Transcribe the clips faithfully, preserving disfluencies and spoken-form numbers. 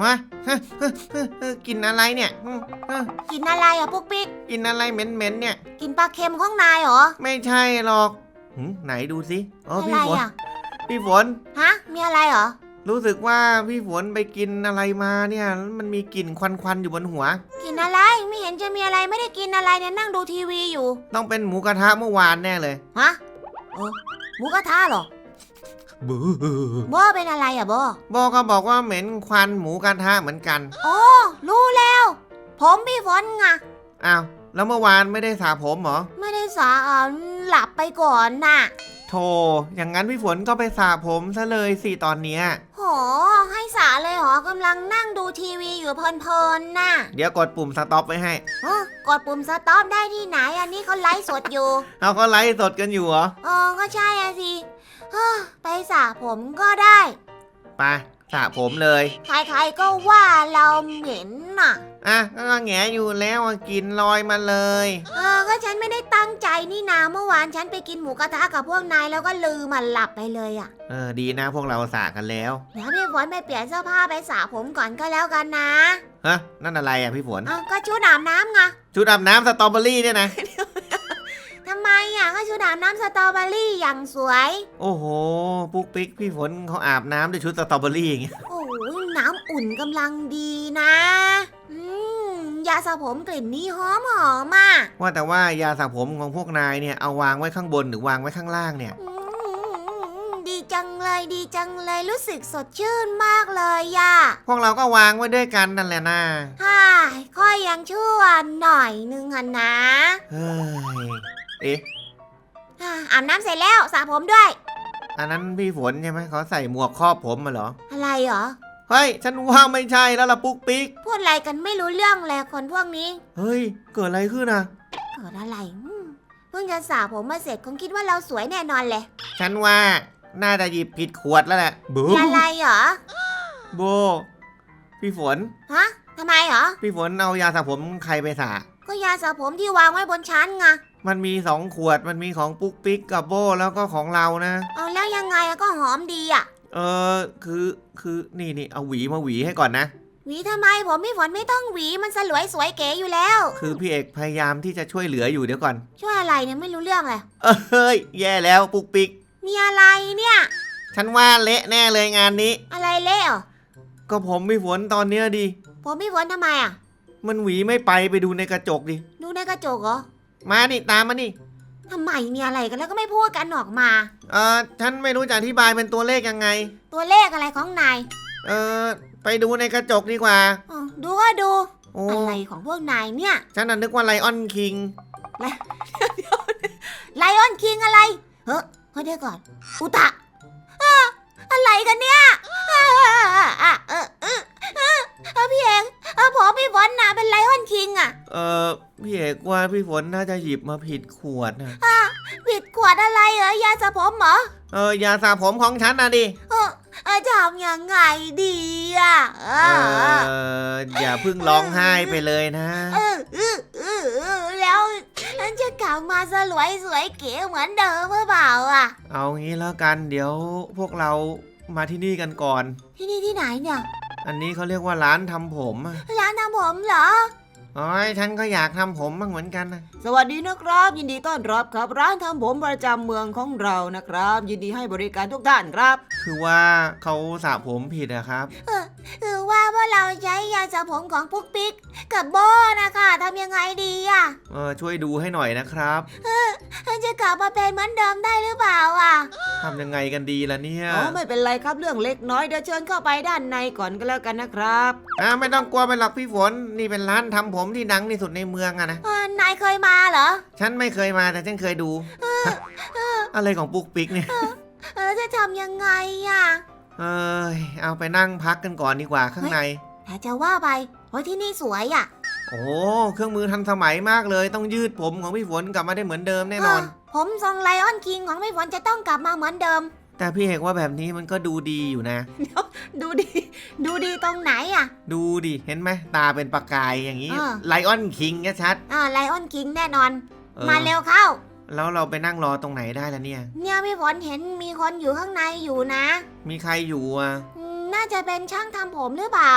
ฮะกินอะไรเนี่ยกินอะไรอ่ะปุ๊กปิ๊กกินอะไรเหม็นๆเนี่ยกินปลาเค็มของนายเหรอไม่ใช่หรอกไหนดูสิอ๋อพี่ฝนพี่ฝนฮะมีอะไรเหรอรู้สึกว่าพี่ฝนไปกินอะไรมาเนี่ยมันมีกลิ่นควันๆอยู่บนหัวกินอะไรไม่เห็นจะมีอะไรไม่ได้กินอะไรเนี่ยนั่งดูทีวีอยู่ต้องเป็นหมูกระทะเมื่อวานแน่เลยฮะโอ้หมูกระทะเหรอบูโบเป็นอะไรอ่ะโบโบก็บอกว่าเหม็นควันหมูกระทะเหมือนกันโอ้รู้แล้วผมพี่ฝนไงอ้าวแล้วเมื่อวานไม่ได้สระผมเหรอไม่ได้สระหลับไปก่อนน่ะโธ่อย่างนั้นพี่ฝนก็ไปสระผมซะเลยสิตอนเนี้ยโหให้สระเลยเหรอกำลังนั่งดูทีวีอยู่เพลินๆน่ะเดี๋ยวกดปุ่มสต็อปไว้ให้กดปุ่มสต็อปได้ที่ไหนอันนี้เขาไลฟ์สดอยู่เอาเขาไลฟ์สดกันอยู่เหรอเออก็ใช่อะสิไปสระผมก็ได้ไปสระผมเลยใครๆก็ว่าเราเหม็นน่ะอ่ะก็แงอยู่แล้วกินลอยมาเลยเออก็ฉันไม่ได้ตั้งใจนี่นาเมื่อวานฉันไปกินหมูกระทะกับพวกนายแล้วก็ลืมมันหลับไปเลยอ่ะเออดีนะพวกเราสระกันแล้วเดี๋ยวพี่ฝนไปเปลี่ยนเสื้อผ้าไปสระผมก่อนก็แล้วกันนะฮะนั่นอะไรอ่ะพี่ฝนอ้าวก็ชุดอาบน้ำไงชุดอาบน้ำสตรอเบอรี่เนี่ยนะทำไมอ่ะก็ชุดอาบน้ำสตรอเบอรี่อย่างสวยโอ้โหปุ๊กปิ๊กพี่ฝนเขาอาบน้ำด้วยชุดสตรอเบอรี่อย่างเงี้ยโอ้ยน้ำอุ่นกำลังดีนะอืมยาสระผมกลิ่นนี้หอมหอมมากว่าแต่ว่ายาสระผมของพวกนายเนี่ยเอาวางไว้ข้างบนหรือวางไว้ข้างล่างเนี่ยดีจังเลยดีจังเลยรู้สึกสดชื่นมากเลยย่าพวกเราก็วางไว้ด้วยกันนั่นแหละนะฮ่าค่อยยังชั่วหน่อยนึงอ่ะนะเฮ้ยเอ๊ะอาบน้ำเสร็จแล้วสระผมด้วยอันนั้นพี่ฝนใช่ไหมเขาใส่หมวกครอบผมมาเหรออะไรเหรอเฮ้ยฉันว่าไม่ใช่แล้วล่ะปุ๊กปิ๊กพูดอะไรกันไม่รู้เรื่องเลยคนพวกนี้เฮ้ยเกิดอะไรขึ้นอ่ะเกิดอะไรเพิ่งจะสระผมมาเสร็จคงคิดว่าเราสวยแน่นอนเลยฉันว่าน่าจะหยิบผิดขวดแล้วแหละบูอะไรเหรอโบพี่ฝนฮะทำไมเหรอพี่ฝนเอายาสระผมใครไปสระก็ยาสระผมที่วางไว้บนชั้นไงมันมีสองขวดมันมีของปุ๊กปิ๊กกับโบแล้วก็ของเรานะเอาแล้วยังไงก็หอมดีอ่ะเออคือคือนี่นี่เอาหวีมาหวีให้ก่อนนะหวีทำไมผมพี่ฝนไม่ต้องหวีมันสลวยสวยเก๋อยู่แล้วคือพี่เอกพยายามที่จะช่วยเหลืออยู่เดี๋ยวก่อนช่วยอะไรเนี่ยไม่รู้เรื่องเลยเฮ้ยแย่แล้วปุ๊กปิ๊กมีอะไรเนี่ยฉันว่าเละแน่เลยงานนี้อะไรเละอ่ะก็ผมพี่ฝนตอนเนี้ยดิผมพี่ฝนทำไมอ่ะมันหวีไม่ไปไปดูในกระจกดิดูในกระจกเหรอมาดิตามมานี่ทำไมมีอะไรกันแล้วก็ไม่พูดกันออกมาเออฉันไม่รู้จะอธิบายเป็นตัวเลขยังไงตัวเลขอะไรของนายเออไปดูในกระจกดีกว่าอ๋อดูก็ดูอะไรของพวกนายเนี่ยฉันน่ะนึกว่าไลออนคิงไลออนคิงอะไรเฮ้ยเฮ้ยเดี๋ยวก่อนอุตะอะไรกันเนี่ยพี่เอกผมพี่ฝนน่ะเป็นไลออนคิงอ่ะเออพี่เอกว่าพี่ฝนน่าจะหยิบมาผิดขวดนะผิดขวดอะไรเหรอยาสระผมเหรอเออยาสระผมของฉันนะดิเออจะทำยังไงดีอ่ะเอออย่าเพิ่งร้องไห้ไปเลยนะเออเออเออแล้วฉันจะกลับมาสลวยสวยเก๋เหมือนเดิมหรือเปล่าอ่ะเอางี้แล้วกันเดี๋ยวพวกเรามาที่นี่กันก่อนที่นี่ที่ไหนเนี่ยอันนี้เขาเรียกว่าร้านทำผมร้านทำผมเหรออ๋อฉันก็อยากทำผมบ้างเหมือนกันนะสวัสดีนะครับยินดีต้อนรับครับร้านทำผมประจำเมืองของเรานะครับยินดีให้บริการทุกท่านครับคือว่าเขาสระผมผิดนะครับเออคือว่าพวกเราใช้ยาสระผมของปุ๊กปิ๊กกับโบนะคะทำยังไงดีอ่ะเออช่วยดูให้หน่อยนะครับเออจะกลับมาเป็นเหมือนเดิมได้หรือเปล่าอ่ะทำยังไงกันดีล่ะเนี่ยอ๋อไม่เป็นไรครับเรื่องเล็กน้อยเดี๋ยวเชิญเข้าไปด้านในก่อนก็แล้วกันนะครับอ่าไม่ต้องกลัวไปหรอกพี่ฝนนี่เป็นร้านทำผมที่ดังที่สุดในเมืองอะนะนายเคยมาเหรอฉันไม่เคยมาแต่ฉันเคยดูอะไรของปุ๊กปิ๊กเนี่ยเออจะทำยังไงอ่ะเอ้ยเอาไปนั่งพักกันก่อนดีกว่าข้างในแต่จะว่าไปเพราะที่นี่สวยอ่ะโอ้เครื่องมือทันสมัยมากเลยต้องยืดผมของพี่ฝนกลับมาได้เหมือนเดิมแน่นอนผมทรงไลออนคิงของพี่ฝนจะต้องกลับมาเหมือนเดิมแต่พี่เอกว่าแบบนี้มันก็ดูดีอยู่นะดูดีดูดีตรงไหนอ่ะดูดิเห็นไหมตาเป็นประกายอย่างนี้ไลออนคิงชัดอ่าไลออนคิงแน่นอนมาเร็วเข้าแล้วเราไปนั่งรอตรงไหนได้ล่ะเนี่ยเนี่ยพี่ฝนเห็นมีคนอยู่ข้างในอยู่นะมีใครอยู่อ่ะน่าจะเป็นช่างทำผมหรือเปล่า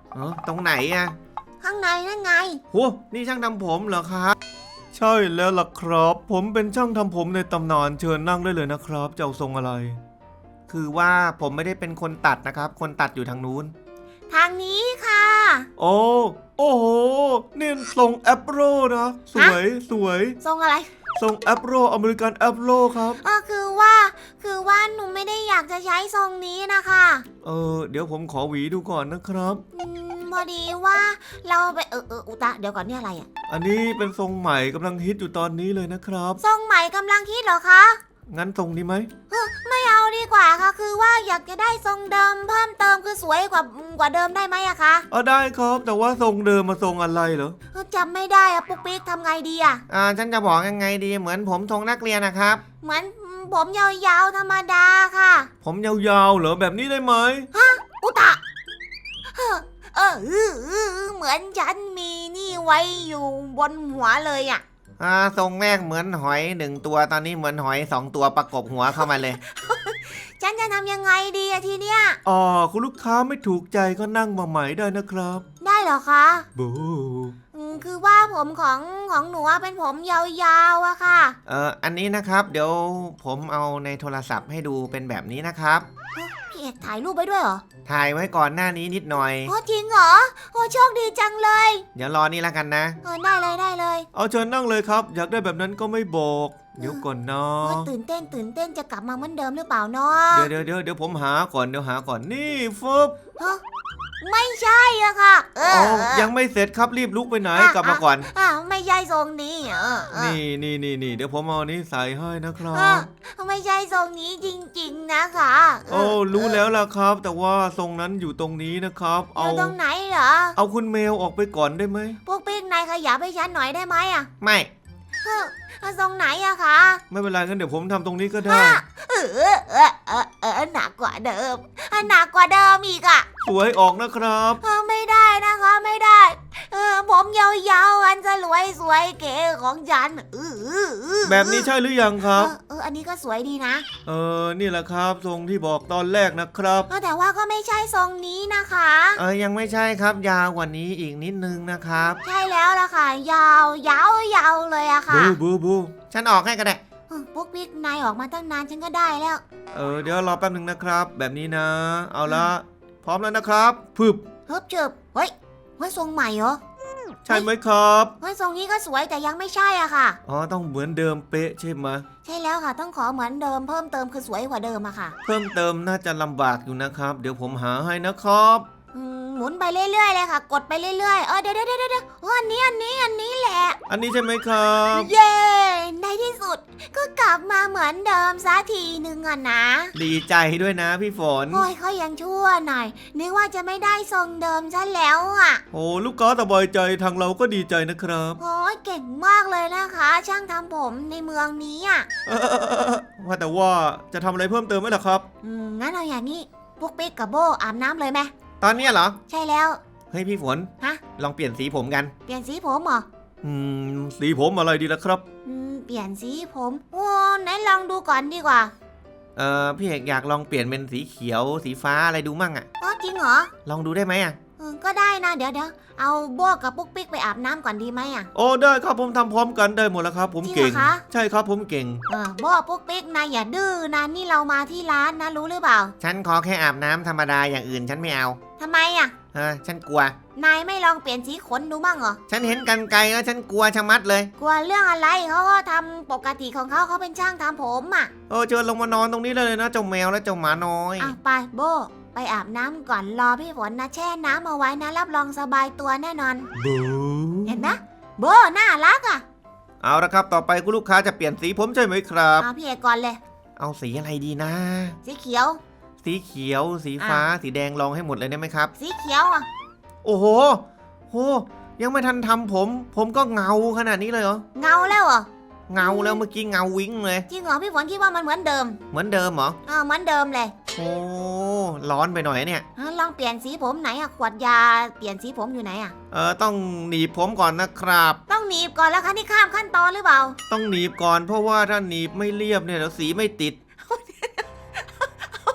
เออตรงไหนอะข้างในนั่นไงโหนี่ช่างทำผมเหรอครับใช่แล้วล่ะครับผมเป็นช่างทำผมในตำนานเชิญนั่งได้เลยนะครับจะเอาทรงอะไร คือว่าผมไม่ได้เป็นคนตัดนะครับคนตัดอยู่ทางนู้นทางนี้ค่ะโอ้โอ้โหนี่ทรงแอปโรนะสวยสวยทรงอะไรทรงแอปโรอเมริกันแอปโรครับเออคือว่า คือว่าหนูไม่ได้อยากจะใช้ทรงนี้นะคะเออเดี๋ยวผมขอหวีดูก่อนนะครับอืมพอดีว่าเราไปเออเอออุตะเดี๋ยวก่อนนี่อะไรอ่ะอันนี้เป็นทรงใหม่กำลังฮิตอยู่ตอนนี้เลยนะครับทรงใหม่กำลังคิดเหรอคะงั้นทรงนี้ไหมเออไม่เอาดีกว่าค่ะ คือว่าอยากจะได้ทรงเดิมเพิ่มเติมคือสวยกว่ากว่าเดิมได้ไหมอะคะอ๋อได้ครับแต่ว่าทรงเดิมมาทรงอะไรเหรอเออจำไม่ได้อะปุ๊กปิ๊กทำไงดีอะอ่าฉันจะบอกยังไงดีเหมือนผมทรงนักเรียนนะครับเหมือนผมยาวๆธรรมดาค่ะผมยาวๆเหรอแบบนี้ได้ไหมอุตะเออเออเออเออเหมือนฉันมีนี่ไว้อยู่บนหัวเลยอะอ่าทรงแรกเหมือนหอยหนึ่งตัวตอนนี้เหมือนหอยสองตัวประกบหัวเข้ามาเลยฉันจะทำยังไงดีอะทีเนี้ยอ๋อคุณลูกค้าไม่ถูกใจก็นั่งมาใหม่ได้นะครับได้เหรอคะบูอืมคือว่าผมของของหนูอะเป็นผมยาวๆอะค่ะเอ่ออันนี้นะครับเดี๋ยวผมเอาในโทรศัพท์ให้ดูเป็นแบบนี้นะครับพี่เอกถ่ายรูปไว้ด้วยเหรอถ่ายไว้ก่อนหน้านี้นิดหน่อยโอ้จริงเหรอโอ้โชคดีจังเลยเดี๋ยวรอนี่แล้วกันนะเออได้เลยได้เลยเอาเชิญนั่งเลยครับ อยากได้แบบนั้นก็ไม่บอก เดี๋ยวก่อนนะโอ้ยตื่นเต้นตื่นเต้นจะกลับมาเหมือนเดิมหรือเปล่าเนาะเดี๋ยวเดี๋ยวเดี๋ยวเดี๋ยวผมหาก่อนเดี๋ยวหาก่อนนี่ฟึบฮะไม่ใช่อะค่ะ เอออ๋อเออยังไม่เสร็จครับรีบลุกไปไหนอ่ะกลับมาก่อนอ่ะไม่ใช่ทรงนี้เออเออนี่นี่นี่นี่เดี๋ยวผมเอาอันนี้ใส่ให้นะครัเอบ อไม่ใช่ทรงนี้จริงๆนะคะเโอ้รู้แล้วล่ะครับ แต่ว่าทรงนั้นอยู่ตรงนี้นะครับอเอายู่ตรงไหนเหรอเอาคุณเมลออกไปก่อนได้ไหมพวกปิ๊กนายขยับให้ฉันหน่อยได้ไหมอะไม่เออเอาทรงไหนอะคะไม่เป็นไรงั้นเดี๋ยวผมทำตรงนี้ก็ได้เออเออเออเออเออหนักกว่าเดิมอ่ะหนักกว่าเดิมอีกอะสวยออกนะครับเออไม่ได้นะคะไม่ได้ เออผมยาวๆอันสลวยสวยเก๋ของฉันเออเออเออแบบนี้ใช่หรือยังคเอรับอเอออันนี้ก็สวยดีนะเออนี่แหละครับ ทรงที่บอกตอนแรกนะครับเออแต่ว่าก็ไม่ใช่ทรงนี้นะคะเออยังไม่ใช่ครับ ยาวกว่านี้อีกนิดนึงนะครับใช่แล้วล่ะค่ะ ยาวยาวยาวเลยอะค่ะบูบูบูฉันออกให้ก็ได้เออปุ๊กปิ๊กนายออกมาตั้งนานฉันก็ได้แล้วเออเดี๋ยวรอแป๊บหนึ่งนะครับ แบบนี้นะ เอาละพร้อมแล้วนะครับพึบเฮิบเจิบเฮ้ยเฮ้ยทรงใหม่เหรอใช่ไหมครับเฮ้ยทรงนี้ก็สวยแต่ยังไม่ใช่อะค่ะอ๋อต้องเหมือนเดิมเป๊ะใช่ไหมใช่แล้วค่ะต้องขอเหมือนเดิมเพิ่มเติมคือสวยกว่าเดิมอะค่ะเพิ่มเติมน่าจะลำบากอยู่นะครับ เดี๋ยวผมหาให้นะครับอืมหมุนไปเรื่อยๆเลยค่ะ กดไปเรื่อยๆเออเดี๋ยวเดี๋ยวเดี๋ยวเดี๋ยวเอออันนี้อันนี้อันนี้แหละอันนี้ใช่ไหมครับเย้ในที่สุดก็กลับมาเหมือนเดิมสักทีหนึ่งอะนะดีใจด้วยนะพี่ฝนโอ้ยเขายังชั่วหน่อยนึกว่าจะไม่ได้ทรงเดิมซะแล้วอะโอ้ลูกค้าสบายใจทางเราก็ดีใจนะครับโอ้ยเก่งมากเลยนะคะ ช่างทำผมในเมืองนี้อะเออว่าแต่ว่าจะทำอะไรเพิ่มเติมไหมล่ะครับอืมงั้นเอาอย่างนี้พวกปิ๊กกับโบอาบน้ำเลยไหมตอนเนี้ยเหรอใช่แล้วเฮ้ยพี่ฝนฮะลองเปลี่ยนสีผมกันเปลี่ยนสีผมเหรออืมสีผมอะไรดีล่ะครับอืมเปลี่ยนสีผมโอ้ไหนลองดูก่อนดีกว่าเออพี่เอกอยากลองเปลี่ยนเป็นสีเขียว สีฟ้าอะไรดูมั่งอะอ๋อจริงเหรอลองดูได้ไหมอะเออก็ได้นะเดี๋ยวเดี๋ยวเอาโบกับปุ๊กปิ๊กไปอาบน้ำก่อนดีไหมอะโอ้ได้ครับผมทำพร้อมกันได้หมดแล้วครับ ผมจริงเก่งเหรอคะใช่ครับผมเก่งเออโบปุ๊กปิ๊กนายอย่าดื้อนะนี่เรามาที่ร้านนะรู้หรือเปล่าฉันขอแค่อาบน้ำธรรมดาอย่างอื่นฉันไม่เอาทำไมอะเออฉันกลัวนายไม่ลองเปลี่ยนสีขนดูมั่งเหรอฉันเห็นกันไกลแล้วฉันกลัวชะมัดเลยกลัวเรื่องอะไรเขาก็ทำปกติของเขาเขาเป็นช่างทำผมอ่ะเออเชิญลงมานอนตรงนี้เลยนะเจ้าแมวและเจ้าหมาน้อยอ่ะไปโบไปอาบน้ำก่อนรอพี่ฝนนะแช่น้ำเอาไว้นะรับรองสบายตัวแน่นอนบูเห็นไหมโบน่ารักอ่ะเอาละครับต่อไปคุณลูกค้าจะเปลี่ยนสีผมใช่ไหมครับเอาพี่เอกก่อนเลยเอาสีอะไรดีนะสีเขียวสีเขียว สีฟ้า สีแดงลองให้หมดเลยได้ไหมครับสีเขียวอ่ะโอ้โหโหยังไม่ทันทำผม ผมก็เงาขนาดนี้เลยเหรอเงาแล้วเหรอเงาแล้วเมื่อกี้เงาวิ้งเลยจริงเหรอพี่ฝนคิดว่ามันเหมือนเดิมเหมือนเดิมเหรออ่าเหมือนเดิมเลยโอ้ร้อนไปหน่อยเนี่ยอ่ะลองเปลี่ยนสีผมไหนอ่ะขวดยาเปลี่ยนสีผมอยู่ไหนอ่ะเออต้องหนีบผมก่อนนะครับต้องหนีบก่อนแล้วคะนี่ข้ามขั้นตอนหรือเปล่าต้องหนีบก่อนเพราะว่าถ้าหนีบไม่เรียบเนี่ยเดี๋ยวสีไม่ติด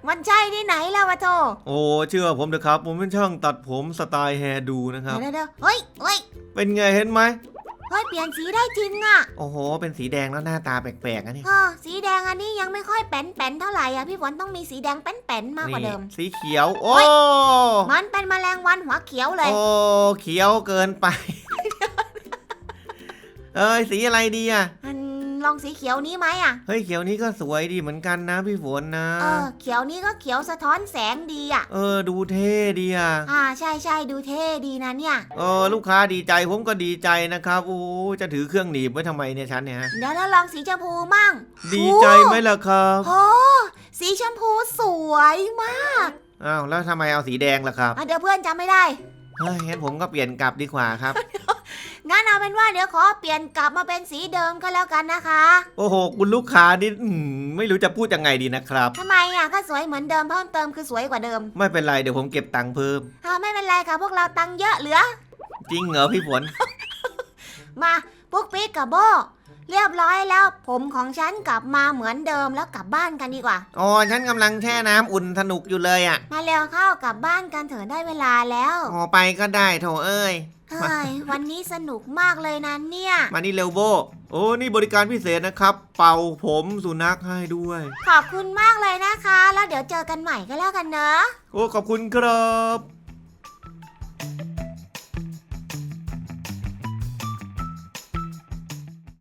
มันใช่ที่ไหนแล้ววะโธ่โอ้เชื่อผมเถอะครับ ผมเป็นช่างตัดผมสไตล์แฮร์ดูนะครับเดี๋ยวเดี๋ยวเฮ้ยเฮ้ยเป็นไงเห็นไหมเฮ้ยเปลี่ยนสีได้จริงอ่ะโอ้โห เป็นสีแดงแล้วหน้าตาแปลกๆนะนี่เออสีแดงอันนี้ยังไม่ค่อยแป้นๆเท่าไหร่อ่ะพี่ฝนต้องมีสีแดงแป้นๆมากกว่าเดิมนี่สีเขียว โอ้มันเป็นแมลงวันหัวเขียวเลยโอ้เขียวเกินไป เอ้ยสีอะไรดีอ่ะอืมลองสีเขียวนี้ไหมอ่ะเฮ้ยเขียวนี้ก็สวยดีเหมือนกันนะพี่ฝนนะเออเขียวนี้ก็เขียวสะท้อนแสงดีอ่ะเออดูเท่ดีอ่ะอ่าใช่ใช่ดูเท่ดีนะเนี่ยเออลูกค้าดีใจผมก็ดีใจนะครับโอ้จะถือเครื่องหนีบไว้ทำไมเนี่ยฉันเนี่ยฮะเดี๋ยวเราลองสีชมพูมั่งดีใจไหมล่ะครับโอ้สีชมพูสวยมากอ้าวแล้วทำไมเอาสีแดงล่ะครับอ่ะเดี๋ยวเพื่อนจำไม่ได้เฮ้ยงั้นผมก็เปลี่ยนกลับดีกว่าครับงั้นเอาเป็นว่าเดี๋ยวขอเปลี่ยนกลับมาเป็นสีเดิมก็แล้วกันนะคะโอ้โหคุณลูกค้านี่อืมไม่รู้จะพูดยังไงดีนะครับทำไมอ่ะก็สวยเหมือนเดิมเพิ่มเติมคือสวยกว่าเดิมไม่เป็นไรเดี๋ยวผมเก็บตังค์เพิ่มอ่าไม่เป็นไรค่ะพวกเราตังค์เยอะเหลือจริงเหรอพี่ฝนมาปุ๊กปิ๊กกับโบเรียบร้อยแล้ว ผมของฉันกลับมาเหมือนเดิมแล้วกลับบ้านกันดีกว่าอ๋อฉันกำลังแช่น้ำอุ่นสนุกอยู่เลยอ่ะมาเร็วเข้ากลับบ้านกันเถอะได้เวลาแล้วอ๋อไปก็ได้โถเอ้ยเฮ้ยวันนี้สนุกมากเลยนะเนี่ยมานี่เร็วโบโอ้นี่บริการพิเศษนะครับ เป่าผมสุนัขให้ด้วยขอบคุณมากเลยนะคะ แล้วเดี๋ยวเจอกันใหม่ก็แล้วกันเนอะโอ้ขอบคุณครับ